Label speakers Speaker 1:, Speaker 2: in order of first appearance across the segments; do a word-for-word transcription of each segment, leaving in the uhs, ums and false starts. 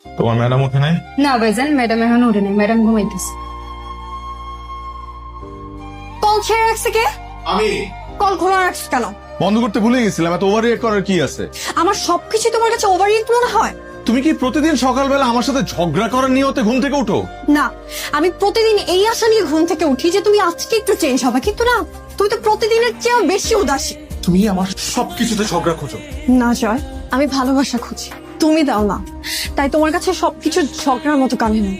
Speaker 1: তোমার ম্যাডাম ওঠে নাই?
Speaker 2: না ভাইজান, ম্যাডাম এখন উঠে নেই, ম্যাডাম ঘুমাইতেছে। কল ছেড়ে রাখছে কে?
Speaker 3: আমি
Speaker 2: কল খোলা রাখছ কেন?
Speaker 3: বন্ধ করতে ভুলে গেছিলাম। এত ওভার রিয়েক্ট করার কি আছে?
Speaker 2: আমার সবকিছু তোমার কাছে ওভার রিয়েক্ট মনে হয়?
Speaker 3: তুমি কি প্রতিদিন সকালবেলা আমার সাথে ঝগড়া করার নিয়তে ঘুম থেকে উঠো?
Speaker 2: না, আমি প্রতিদিন এই আশা নিয়ে ঘুম থেকে উঠি যে তুমি আজকে একটু চেঞ্জ হবে, কিন্তু না, তুমি তো প্রতিদিনের চেয়েও বেশি উদাসী।
Speaker 3: তুমি আমার সবকিছুতে ঝগড়া খোঁজো।
Speaker 2: না জয়, আমি ভালোবাসা খুঁজি, তুমি দাও না, তাই তোমার কাছে সবকিছু ঝগড়ার মতো কানে না।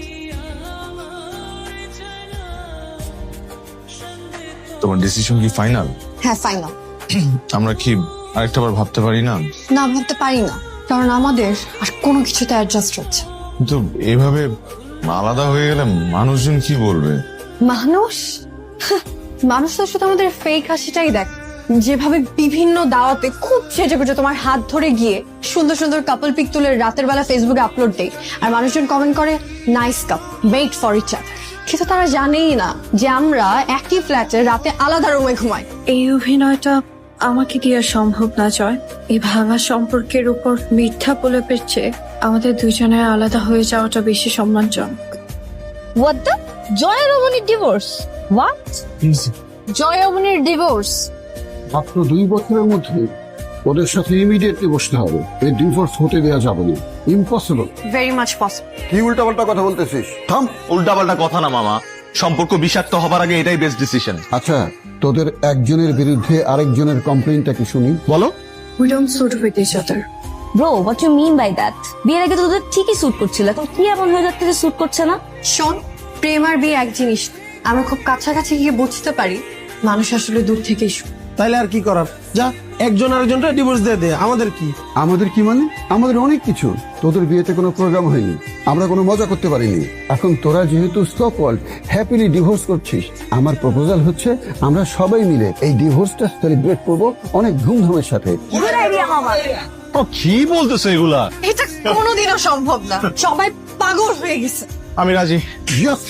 Speaker 1: তোমার ডিসিশন কি ফাইনাল?
Speaker 2: হ্যাঁ ফাইনাল।
Speaker 1: আমরা কি আরেকটা বার ভাবতে পারি না?
Speaker 2: না ভাবতে পারি না, কারণ আমাদের আর কোনো কিছুতে অ্যাডজাস্ট হচ্ছে।
Speaker 1: কিন্তু এভাবে আলাদা হয়ে গেলে মানুষজন কি বলবে?
Speaker 2: মানুষ মানুষ তো শুধু আমাদের ফেক হাসিটাই দেখ, যেভাবে বিভিন্ন দাওয়াতে খুব সেজে গুজে তোমার হাত ধরে গিয়ে সুন্দর সুন্দর কাপল পিক তুলে রাতের বেলা ফেসবুকে আপলোড দেয়, আর মানুষজন কমেন্ট করে nice couple, made for each other. কিন্তু তারা জানেই না যে আমরা একই ফ্ল্যাটে রাতে আলাদা রুমে ঘুমাই।
Speaker 4: এই অভিনয়টা আমাকে দিয়ে সম্ভব না জয়। এই ভাঙা সম্পর্কের উপর মিথ্যা বলে পেয়েছে আমাদের দুজনের আলাদা হয়ে যাওয়াটা বেশি সম্মানজনক।
Speaker 5: What the? জয় রমণীর ডিভোর্স? What? জয় রমণীর ডিভোর্স?
Speaker 6: মাত্র দুই বছরের মধ্যে ওদের সাথে ইমিডিয়েটলি বসতে হবে। এই ডিভোর্স হতে দেওয়া যাবে না, ইম্পসিবল।
Speaker 2: Very much possible.
Speaker 6: কি উল্টাপাল্টা কথা বলতেছিস? থাম।
Speaker 3: উল্টাপাল্টা কথা না মামা, সম্পর্ক বিষাক্ত হবার আগে এটাই বেস্ট ডিসিশন।
Speaker 6: আচ্ছা, তোদের একজনের বিরুদ্ধে আরেকজনের কমপ্লেইনটা কি শুনি, বলো।
Speaker 4: We don't suit with each other.
Speaker 5: Bro, what you mean by that? বিয়ের আগে তো তোদের ঠিকই স্যুট করছিল, এখন কি এমন হয়ে যাচ্ছে যে স্যুট করছে না?
Speaker 2: শোন, প্রেম আর বিয়ে এক জিনিস। আমরা খুব কাছাকাছি গিয়ে বুঝতে পারি মানুষ আসলে দূর থেকেই সুখ।
Speaker 7: তাইলে আর কি করার, যা একজন আরেকজনটা ডিভোর্স দিয়ে দে, আমাদের কি?
Speaker 6: আমাদের কি মানে? আমাদের অনেক কিছু। তোদের বিয়েতে কোনো প্রোগ্রাম হয়নি, আমরা কোনো মজা করতে পারিনি। এখন তোরা যেহেতু স্টপ ওয়ার্ল্ড হ্যাপিলি ডিভোর্স করছিস, আমার প্রপোজাল হচ্ছে আমরা সবাই মিলে এই ডিভোর্সটা সেলিব্রেট করবো অনেক ধুমধামের সাথে।
Speaker 3: কি বলতেছো এগুলা?
Speaker 2: এটা কোনোদিনও সম্ভব না, সবাই পাগল হয়ে গেছে।
Speaker 3: আমি রাজি।
Speaker 6: Yes!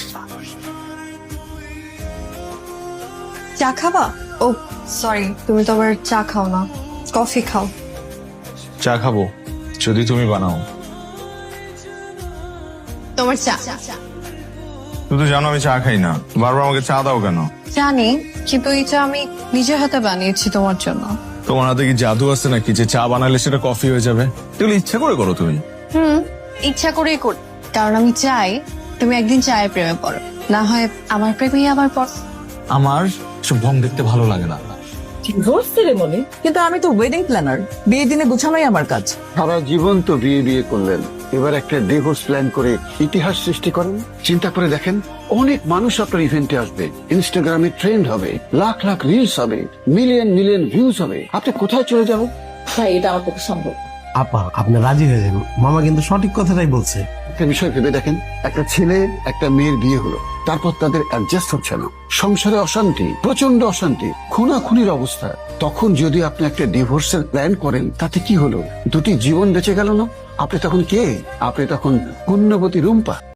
Speaker 2: চা খাবা? ও সরি, তুমি তো আবার চা খাও না, কফি খাও।
Speaker 1: চা খাবো যদি তুমি বানাও।
Speaker 2: তোমার চা।
Speaker 1: তুমি তো জানো আমি চা খাই না, বারবার আমাকে চা দাও কেন?
Speaker 2: জানি, কিন্তু এই চা আমি নিজের হাতে বানিয়েছি তোমার জন্য।
Speaker 1: তোমার হাতে কি জাদু আছে নাকি যে চা বানালে সেটা কফি হয়ে যাবে? এগুলো ইচ্ছা করে করো তুমি?
Speaker 2: হুম, ইচ্ছা করেই করি, কারণ আমি চাই তুমি একদিন চায়ের প্রেমে পড়ো, না হয় আমার প্রেমেই আবার পড়।
Speaker 1: আমার সব ঢং দেখতে ভালো লাগে না।
Speaker 8: Divorce ceremony? কিন্তু আমি তো ওয়েডিং প্ল্যানার, বিয়ের দিনে গোছানোই আমার কাজ।
Speaker 6: সারা জীবন তো বিয়ে বিয়ে করলেন, এবার একটা ডিভোর্স প্ল্যান করে ইতিহাস সৃষ্টি করেন। চিন্তা করে দেখেন, অনেক মানুষ আপনার ইভেন্টে আসবে, ইনস্টাগ্রামে ট্রেন্ড হবে, লাখ লাখ রিলস হবে, মিলিয়ন মিলিয়ন ভিউজ হবে। আপনি কোথায় চলে যাবেন?
Speaker 8: তাই এটা আমার পক্ষে সম্ভব।
Speaker 7: আপা, আপনি রাজি হয়ে যান, মামা কিন্তু সঠিক কথাটাই বলছে।
Speaker 6: একটা বিষয় ভেবে দেখেন, একটা ছেলে একটা মেয়ের বিয়ে হলো, তারপর তাদের অ্যাডজাস্ট হচ্ছে না, সংসারে অশান্তি, প্রচন্ড অশান্তি, খুনাখুনির অবস্থা। তখন যদি আপনি একটা ডিভোর্সের প্ল্যান করেন, তাতে কি হলো? দুটি জীবন বেঁচে গেল না? আপনি তখন কে? আপনি তখন পুণ্যবতী রুম্পা।